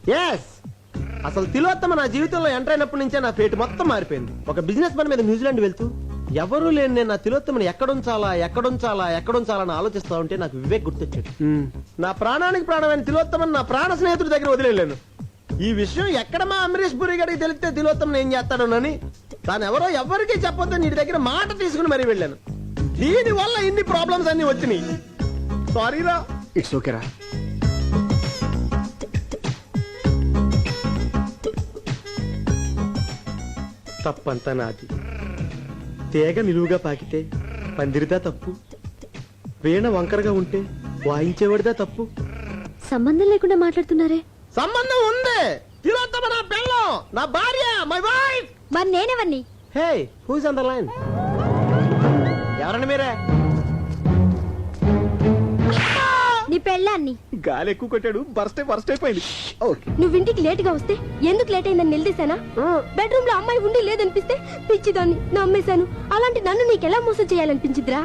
Yes, అసలు తిలోత్తమ నా జీవితంలో ఎంటర్ అయినప్పటి నుంచే నా ఫేట్ మొత్తం మారిపోయింది. ఒక బిజినెస్ పని మీద న్యూజిలాండ్ వెళ్తూ ఎవరూ లేని నేను నా తిలోత్తమని ఎక్కడుంచాలని ఆలోచిస్తా ఉంటే నాకు వివేక్ గుర్తొచ్చాడు. నా ప్రాణానికి ప్రాణమైన తిలోత్తమని నా ప్రాణ స్నేహితుడి దగ్గర వదిలేను. ఈ విషయం ఎక్కడ మా అమరీష్ పురి గారికి తెలిస్తే తిలోత్తమని ఏం చేస్తాడోనని తాను ఎవరో ఎవరికీ చెప్పొద్దని నీ దగ్గర మాట తీసుకుని మరీ వెళ్ళాను. దీని వల్ల ఇన్ని ప్రాబ్లమ్స్ అన్ని వచ్చినాయి. సారీరా. ఇట్స్ ఓకేరా. తప్పంతా నాది. తేగ నిలువుగా పాకితే పందిరిదా తప్పు, వీణ వంకరగా ఉంటే వాయించేవాడిదా తప్పు. సంబంధం లేకుండా మాట్లాడుతున్నారే. సంబంధం ఉంది. తిలోత్తమ నా పెళ్ళం, నా భార్య, మై వైఫ్. మరి నేనెవరిని? Hey, who's on the line? ఎవరండి మీరే? నీ పెళ్ళాన్ని. గాలి ఎక్కువ కొట్టాడు, బర్స్ట్ అయిపోయింది. నువ్వు ఇంటికి లేట్ గా వస్తే ఎందుకు లేట్ అయిందని నిలదీశానా? బెడ్రూమ్ లో అమ్మాయి ఉండి లేదనిపిస్తే పిచ్చిదాన్ని నమ్మేశాను. అలాంటి నన్ను నీకెలా మోసం చేయాలనిపించిద్రా?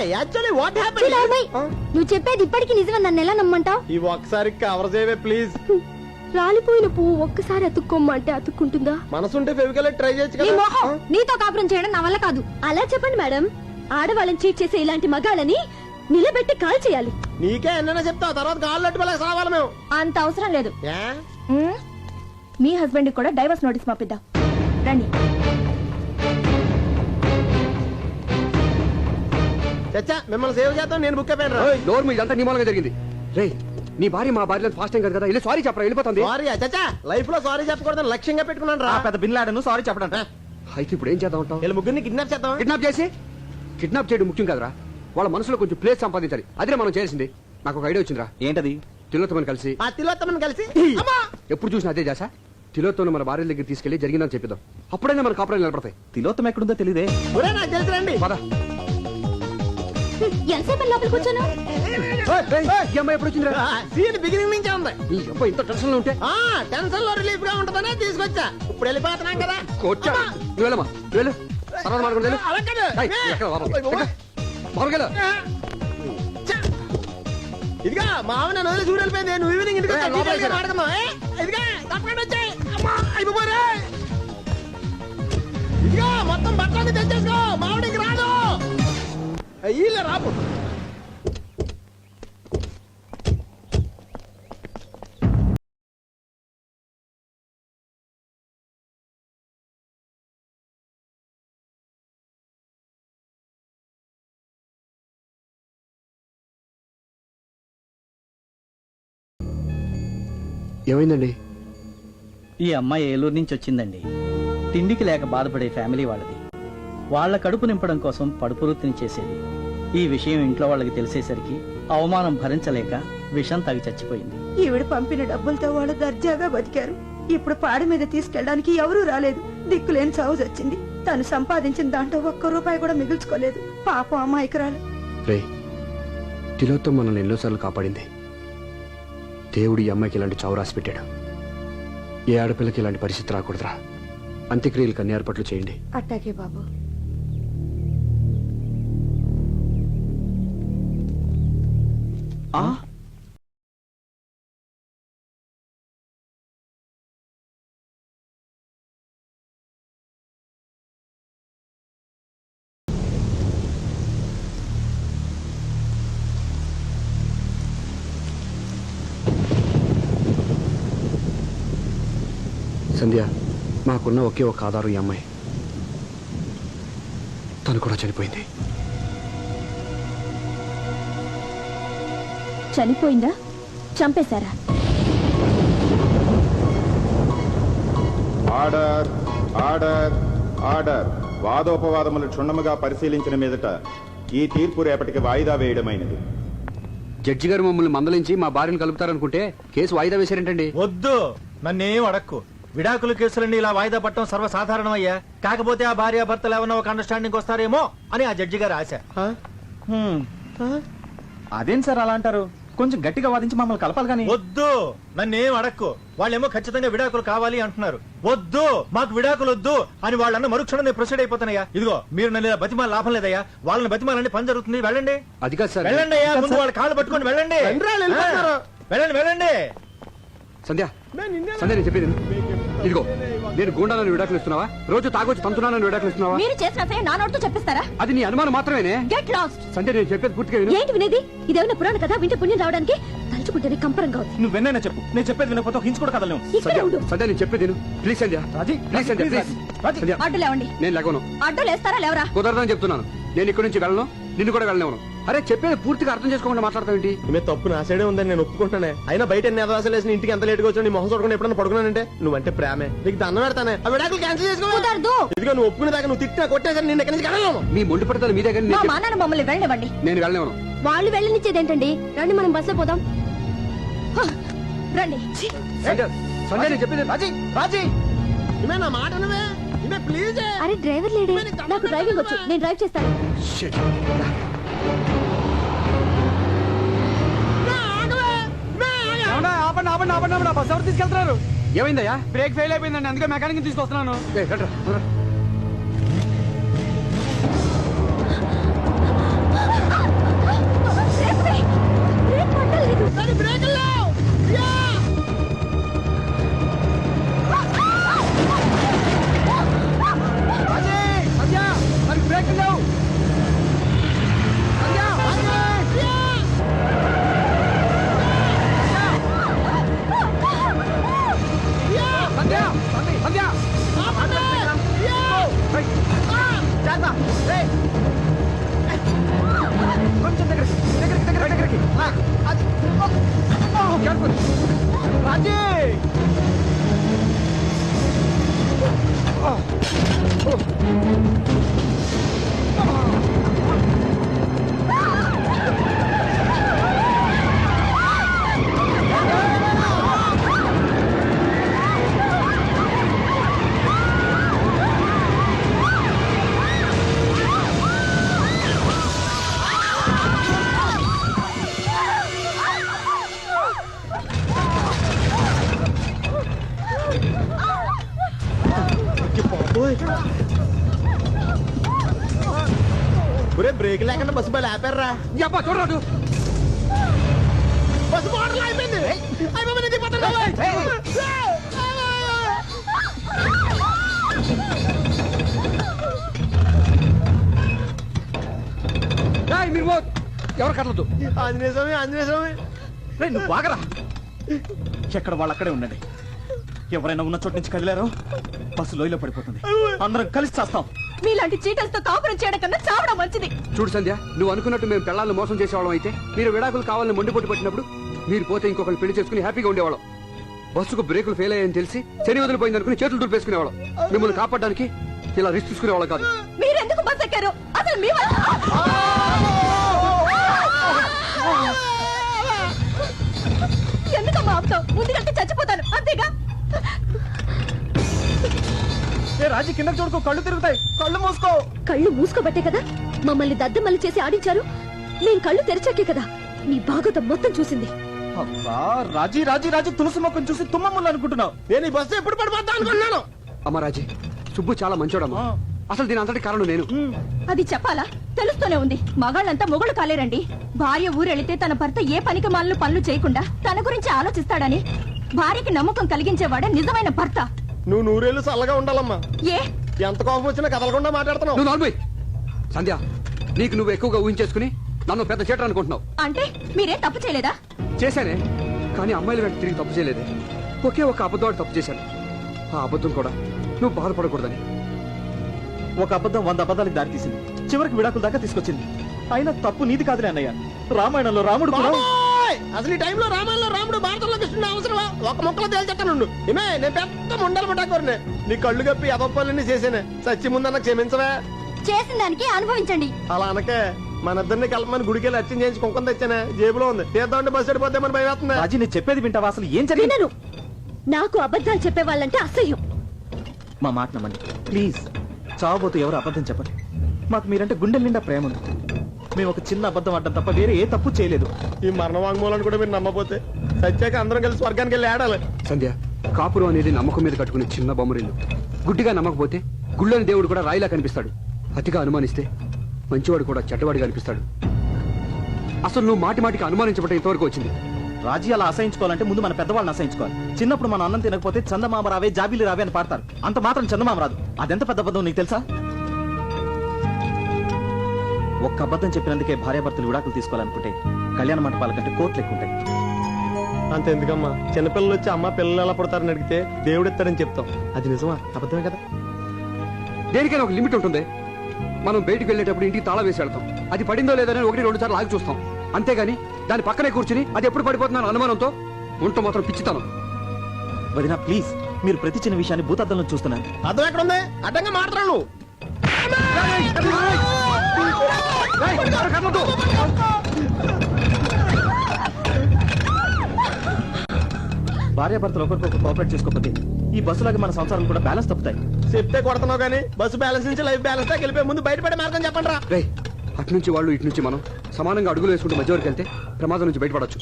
నువ్వు చెప్పేది ఇప్పటికీ నిజమని నన్ను ఎలా నమ్మంటావు? ఈ ఒక్కసారి కవర్ చేయవే ప్లీజ్. రాలిపోయిన పువ్వు ఒక్కసారి అతుక్కోమ్మంటే అతుక్కుంటుందా? మనసుంటే ఫెవికల్ ట్రై చేయొచ్చు నీ కదా. మొహం, నీతో కాపురం చేయడం నా వల్ల కాదు. అలా చెప్పండి మేడం. ఆడవాళ్ళని చీట్ చేసే ఇలాంటి మగాళ్ళని నిలబెట్టి కాల్ చేయాలి. నీకే ఎన్నైనా చెప్తావు, తర్వాత కాళ్ళు అట్టుకోలేక సావాలి మేము. అంత అవసరం లేదు. ఏ? మీ హస్బెండ్ కూడా డైవర్స్ నోటీస్ పంపిద్దాం రండి. చచ్చా, మిమ్మల్ని సేవ్ చేద్దాం. నేను బుక్ అయిపోయాను. డోర్ మీద అంతా నీ మూలంగా జరిగింది. రే, నీ భార్య మా భార్య ఫాస్ట్ టైం కదా, వెళ్ళి సారీ చెప్పరా, వెళ్ళిపోతుంది. సారీ చచ్చా, లైఫ్ లో సారీ చెప్పకూడదని లక్ష్యంగా పెట్టుకున్నాను రా. పెద్ద బిన్లాడను సారీ చెప్పడం. అయితే ఇప్పుడు ఏం చేద్దాం అంటావు? వీళ్ళ ముగ్గురిని కిడ్నాప్ చేద్దాం. కిడ్నాప్ చేయడం ముఖ్యం కదరా, వాళ్ళ మనసులో కొంచెం ప్లేస్ సంపాదించాలి. అదే మనం చేసింది. నాకు ఒక ఐడియా వచ్చిందిరా. ఏంటది? తిలోత్తమని కలిసి ఆ తిలోత్తమని కలిసి ఎప్పుడు చూసినా అదే చేసా. తిలోత్తమని మన భార్య దగ్గర తీసుకెళ్లి జరిగిందని చెప్పిద్దాం. అప్పుడైనా మన కాపురాలు నిలబడతాయి. తిలోత్తమ ఎక్కడుందో తెలియదే. నాకు తెలిసి రండి. పద. ఎంతసేపు లోపలికి కూర్చోను? ఈ అమ్మాయి ఎప్పుడు వచ్చిందిరా? సీన్ బిగినింగ్ నుంచే ఉంది. ఈ అబ్బాయి ఇంత టెన్షన్ లో ఉంటే టెన్షన్ లో రిలీఫ్ గా ఉంటదనే తీసుకొచ్చా. ఇప్పుడు వెళ్ళిపోతున్నాం కదా. వచ్చా నువ్వు వెళ్ళమ్మా, నువ్వు వెళ్ళు. తర్వాత మాట్లాడుకుంటూ వెళ్ళు. అలా కాదు. ఎక్కడ బాబు ఇదిగా మా ఆవిడ నన్ను వదిలి చూడు వెళ్ళిపోయింది. నువ్వు ఈవినింగ్ ఇంటికి వచ్చా, డీటెయిల్గా మాట్లాడదాం. ఇదిగా తప్పకుండా వచ్చాయి. అమ్మా అయిపోరే. ఇదిగా మొత్తం బట్టలన్నీ తెచ్చేసుకో, మావిడికి రాదు. వీళ్ళే రాపు. ఏమైందండి? ఈ అమ్మాయి ఏలూరు నుంచి వచ్చిందండి. తిండికి లేక బాధపడే ఫ్యామిలీ వాళ్ళది. వాళ్ళ కడుపు నింపడం కోసం పడుపు వృత్తిని చేసేది. ఈ విషయం ఇంట్లో వాళ్ళకి తెలిసేసరికి అవమానం భరించలేక విషం తాగి చచ్చిపోయింది. ఈవిడ పంపిన డబ్బులతో వాళ్ళు దర్జాగా బతికారు. ఇప్పుడు పాడి మీద తీసుకెళ్ళడానికి ఎవరూ రాలేదు. దిక్కులేని చావు వచ్చింది. తను సంపాదించిన దాంట్లో ఒక్క రూపాయి కూడా మిగుల్చుకోలేదు. పాపం అమాయకురాలు. రే, తిలోత్తమ మనల్ని ఎన్నోసార్లు కాపాడింది. దేవుడు ఈ అమ్మాయికి ఇలాంటి చావు రాసి పెట్టాడు. ఏ ఆడపిల్లకి ఇలాంటి పరిస్థితి రాకూడదురా. అంత్యక్రియలకు అన్ని ఏర్పాట్లు చేయండి. అట్టాకే బాబు. సంధ్య, మాకున్న ఒకే ఒక ఆధారం ఈ అమ్మాయి. తను కూడా చనిపోయింది. చనిపోయిందా? చంపేశారా? Order order order. వాదోపవాదములు క్షుణ్ణముగా పరిశీలించిన మీదట ఈ తీర్పు రేపటికి వాయిదా వేయడమైనది. జడ్జి గారు మమ్మల్ని మందలించి మా భార్యను కలుపుతారనుకుంటే కేసు వాయిదా వేశారేంటండి? వద్దు, నన్నేం అడక్కు. విడాకుల కేసులన్నీ ఇలా వాయిదా పట్టడం సర్వసాధారణమయ్యా. కాకపోతే ఆ భార్య భర్తలు ఏమన్నా ఒక అండర్స్టాండింగ్ వస్తారేమో అని ఆ జడ్జి గారు ఆశ. అదేం సార్ అలా అంటారు? కొంచెం గట్టిగా వాదించి మమ్మల్ని కలపాలి కానీ. వద్దు, నన్నేం అడక్కు. వాళ్ళేమో ఖచ్చితంగా విడాకులు కావాలి అంటున్నారు. వద్దు, మాకు విడాకులు వద్దు అని వాళ్ళన్న మరుక్షణం నేను ప్రొసీడ్ అయిపోతానయ్యా. ఇదిగో మీరు నన్ను ఇలా బతిమాల లాభం లేదయ్యా. వాళ్ళని బతిమాలని పని జరుగుతుంది. వెళ్ళండి. అది కాదు సార్. వెళ్ళండి అయ్యా, ముందు వాళ్ళ కాళ్ళు పట్టుకొని వెళ్ళండి. వెళ్ళండి వెళ్ళండి. సంధ్య, సంధ్య నేను చెప్పేది ఇదిగో నేను గుండాలని విడాకులు ఇస్తున్నావా రోజు తాగొచ్చి తంతున్నానని విడాకులు ఇస్తున్నావా మీరు చేసిన నా నోటితో చెప్పిస్తారా? అది నీ అనుమానం మాత్రమేనే. Get lost. సంధ్య నేను చెప్పేది పూర్తిగా విను. ఏంటి వినేది? ఇదేమైనా పురాణ కదా? వింటే పుణ్యం రావడానికి తలుచుకుంటేనే కంపరంగా ఉంది. నువ్వు వెన్నైనా చెప్పు, నేను చెప్పేది వినకపోతే ఒక హించ్ కూడా కదలేము. ఇక్కడే ఉండు. సంధ్య నేను చెప్పేది విను. Please Sandhya. Raji, please Sandhya, please. Raji. Sandhya అడ్డు లేవండి. నేను లేవను. అడ్డు లేస్తారా లేవరా? కుదరదని చెప్తున్నాను. నేను ఇక్కడి నుంచి వెళ్ళను, నిన్ను కూడా వెళ్ళనివ్వను. అరే చెప్పేది పూర్తిగా అర్థం చేసుకోకుండా మాట్లాడతావేంటి? ఈమె తప్పు నా సైడే ఉందని నేను ఒప్పుకుంటానే. అయినా బయట ఎన్ని అదవాసాలు వేసిన ఇంటికి ఎంత లేట్గా వచ్చా నీ మొహం చూడకుండా ఎప్పుడన్నా పడుకున్నానంటే నువ్వంటే ప్రేమే. నీకు దండం పెడతానే. ఆ విడాకులు క్యాన్సిల్ చేసుకో. కుదరదు. ఇదిగో నువ్వు ఒప్పుకునే దాకా నువ్వు తిట్టినా కొట్టేసరి నేను ఎక్కడి నుంచి కదలను. మీ మొండి పడతాను మీ దగ్గర. మా నాన్న మమ్మల్ని వెళ్ళనివ్వండి. నేను వెళ్ళనివ్వను. వాళ్ళు వెళ్ళనిచ్చేదేంటండి? రండి మనం బస్సులో పోదాం. రండి. సంధ్య సంధ్య నేను చెప్పేది. రాజీ, రాజీ. ఈమె నా మాట నువ్వే. ఈమె ప్లీజ్. అరే డ్రైవర్ లేడే? నాకు డ్రైవింగ్ వచ్చు, నేను డ్రైవ్ చేస్తాను. Shit. ఆపండి ఆపండి ఆపండి ఆపండి. బస్ ఎవరు తీసుకెళ్తున్నారు? ఏమైందయ్యా? బ్రేక్ ఫెయిల్ అయిపోయిందండి, అందుకే మెకానిక్ తీసుకొస్తున్నాను. ఏయ్, రండ్రా, రండ్రా. బ్రేక్ పట్టలేదు. రాజీ, సంధ్య, మరి బ్రేక్ లేవు. సంధ్య, సంధ్య, సంధ్య. ఏయ్, జాగ్రత్త. ఏయ్. కొంచెం దగ్గరికి దగ్గరికి దగ్గరికి దగ్గరికి. అది. కేర్ఫుల్. రాజీ. ఒరే బ్రేక్ లేకుండా బస్సు బయలు ఆపారా? యబ్బా, చూడరాదు. బస్సు మోడల్ అయిపోయింది. అయిపోయింది, దిగిపోతున్నా. ఏయ్, మీరు ఎవరు కదలదు. ఆంజనేయ స్వామి, ఆంజనేయ స్వామి. రేయ్, నువ్వు బాగరా. ఎక్కడ వాళ్ళు అక్కడే ఉండండి. ఎవరైనా ఉన్న చోటు నుంచి కదిలారో బస్సు లోయలో పడిపోతుంది. అందరం కలిసి చేస్తాం. మీలాంటి చీటలతో కాపురం చేయడం కన్నా చావడం మంచిది. చూడు సంధ్య, నువ్వు అనుకున్నట్టు మేము పిల్లల్ని మోసం చేసేవాళ్ళం అయితే మీరు విడాకులు కావాలని మొండిపోటు పట్టినప్పుడు మీరు పోతే ఇంకొకరిని పెళ్లి చేసుకుని హ్యాపీగా ఉండేవాళ్ళం. బస్సుకు బ్రేకులు ఫెయిల్ అయ్యాయని తెలిసి శని వదిలిపోయింది అనుకుని చేతులు దులిపేసుకునేవాళ్ళం. మిమ్మల్ని కాపాడడానికి ఇలా రిస్క్ తీసుకునేవాళ్ళం కాదు. మీరెందుకు బస్ ఎక్కారు? అసలు మీ వల్ల ఎందుకమ్మా ఆపుతావు? ముందుకంటే చచ్చిపోతాను అంతేగా. ఏ రాజీ, కింద చూడుకో, కళ్ళు తిరుగుతాయి. కళ్ళు మూసుకో. కళ్ళు మూసుకోబట్టే కదా మమ్మల్ని దద్దమల్లి చేసి ఆడించారు. నేను కళ్ళు తెరిచాకే కదా మీ భాగవతం మొత్తం చూసింది. అబ్బా, రాజీ రాజీ రాజీ, తులసి మొక్కను చూసి తుమ్మములు అనుకుంటున్నావు. నేను ఈ బస్సు ఎప్పుడు పడిపోతా అనుకున్నాను. అమ్మరాజీ, సుబ్బు చాలా మంచోడమ్మా. అసలు దీని అంతటి కారణం నేను. అది చెప్పాలా? తెలుస్తూనే ఉంది. మగాళ్ళంతా మొగుళ్ళు కాలేరండి. భార్య ఊరెళితే తన భర్త ఏ పనికి మాలను పనులు చేయకుండా తన గురించి ఆలోచిస్తాడని భార్యకి నమ్మకం కలిగించేవాడే నిజమైన భర్త. నువ్వు నూరేళ్ళు చల్లగా ఉండాలమ్మా. ఏ ఎంత కోపం వచ్చినా కదలకుండా మాట్లాడుతున్నావు. నువ్వు నార్మల్ సంధ్య, నీకు నువ్వు ఎక్కువగా ఊహించేసుకుని నన్ను పెద్ద చేటర్ అనుకుంటున్నావు. అంటే మీరేం తప్పు చేయలేదా? చేశానే, కానీ అమ్మాయిల వెంట తిరిగి తప్పు చేయలేదే. ఒకే ఒక అబద్ధం తప్పు చేశాను. ఆ అబద్ధం కూడా నువ్వు బాధపడకూడదని. ఒక అబద్ధం 100 అబద్ధాలకు దారితీసింది. చివరికి విడాకుల దాకా తీసుకొచ్చింది. అయినా తప్పు నీది కాదులే అన్నయ్య. రామాయణంలో రాముడు కూడా బాబోయ్! అసలు ఈ టైంలో రామాయణంలో రాముడు భారతంలో కృష్ణుడు అవసరమా? ఒక మొక్కలో తేల్చెట్టానుండు. ఏమే, నేను పెద్ద ముండలు పట్టాకోరనే. నీ కళ్ళు కప్పి అదొప్పలన్నీ చేసేనే. సచ్చి ముందన్న క్షమించవే. చేసిన దానికి అనుభవించండి. అలా అనకే. మన ఇద్దరిని కలపమని గుడికెళ్ళి అర్చన చేయించి కుంకుమ తెచ్చానే. జేబులో ఉంది. తీద్దామంటే బస్సు వెళ్ళిపోద్దామని భయం వేస్తుంది. రాజీ, నేను చెప్పేది వింటావా? అసలు ఏం జరిగింది? వినను. నాకు అబద్ధాలు చెప్పే వాళ్ళంటే అసహ్యం. మా మాట నమ్మండి ప్లీజ్. చావబోతూ ఎవరు అబద్ధం చెప్పండి. మాకు మీరంటే గుండెల నిండా ప్రేమ ఉంది. మేము ఒక చిన్న అబద్ధం ఆడడం తప్ప వేరే ఏ తప్పు చేయలేదు. ఈ మరణ వాంగ్మూలాన్ని కూడా మీరు నమ్మపోతే సత్యాక అందరం కలిసి స్వర్గానికి వెళ్ళి ఆడాలి. సంధ్య, కాపురం అనేది నమ్మకం మీద కట్టుకునే చిన్న బొమ్మరిల్లు. గుడ్డిగా నమ్మకపోతే గుళ్ళని దేవుడు కూడా రాయిలా కనిపిస్తాడు. అతిగా అనుమానిస్తే మంచివాడు కూడా చెడ్డవాడిగా అనిపిస్తాడు. అసలు నువ్వు మాటి మాటికి అనుమానించబట్ట ఇంతవరకు వచ్చింది. రాజ్యాలు అసహించుకోవాలంటే ముందు మన పెద్దవాళ్ళని అసహించుకోవాలి. చిన్నప్పుడు మన అన్నం తినకపోతే చందమామ రావే జాబిలి రావే అని పాడతారు. అంత మాత్రం చందమామ రాదు. అదెంత పెద్ద అబద్ధం నీకు తెలుసా? ఒక్క అబద్ధం చెప్పినందుకే భార్యాభర్తలు విడాకులు తీసుకోవాలనుకుంటే కళ్యాణ మంటపాల కంటే కోట్లు ఎక్కువ ఉంటాయి. అంత ఎందుకమ్మా, చిన్నపిల్లలు వచ్చి అమ్మ పిల్లలు ఎలా పుడతారని అడిగితే దేవుడు ఇస్తాడని చెప్తాం. అది నిజమా అబద్ధమే కదా? దేనికైనా ఒక లిమిట్ ఉంటుంది. మనం బయటికి వెళ్ళేటప్పుడు ఇంటికి తాళం వేసి వెళ్తాం. అది పడిందో లేదని 1-2 సార్లు ఆగి చూస్తాం. అంతేగాని దాని పక్కనే కూర్చుని అది ఎప్పుడు పడిపోతుందని అనుమానంతో ఉంటూ మాత్రం పిచ్చితాను. వదినా ప్లీజ్, మీరు ప్రతి చిన్న విషయాన్ని భూతద్దంలో చూస్తున్నారు. అర్థం ఎక్కడ ఉంది? అడ్డంగా మాట్లాడు. భార్యాభర్తలు ఒకరికొకరు కోఆపరేట్ చేసుకోకపోతే ఈ బస్సులాగా మన సంసారం కూడా బ్యాలెన్స్ తప్పుతాయి. చెప్తే కొడుతున్నావు కానీ బస్సు బ్యాలెన్స్ నుంచి లైఫ్ బ్యాలెన్స్ దాకా వెళ్ళిపోయి ముందు బయటపడే మార్గం చెప్పండి రా. రే, అటు నుంచి వాళ్ళు ఇటు నుంచి మనం సమానంగా అడుగులు వేసుకుంటూ మధ్య వరకు వెళ్తే ప్రమాదం నుంచి బయటపడచ్చు.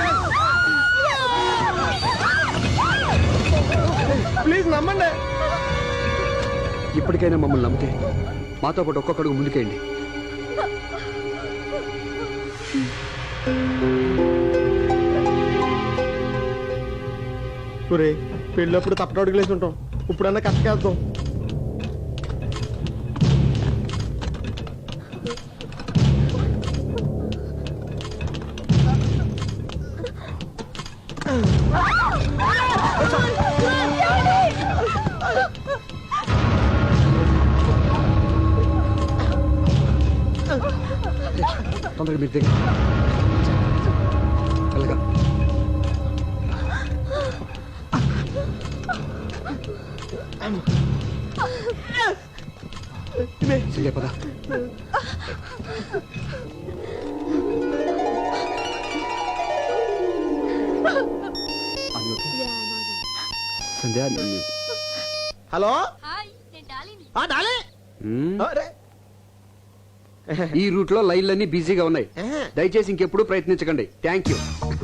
ప్లీజ్ నమ్మండి. ఇప్పటికైనా మమ్మల్ని నమ్మితే మాతో పాటు ఒక్కొక్క అడుగు ముందుకేయండి. ఒరే, పెళ్ళప్పుడు తప్పట అడుగులేసి ఉంటాం, ఇప్పుడన్నా కష్టకేద్దాం. తొందరగా మీరు దగ్గర వెళ్ళగా. సంధ్య పద. Sandhya hello Dolly. అరే ఈ రూట్ లో లైన్లన్నీ బిజీగా ఉన్నాయి. దయచేసి ఇంకెప్పుడు ప్రయత్నించకండి. Thank you.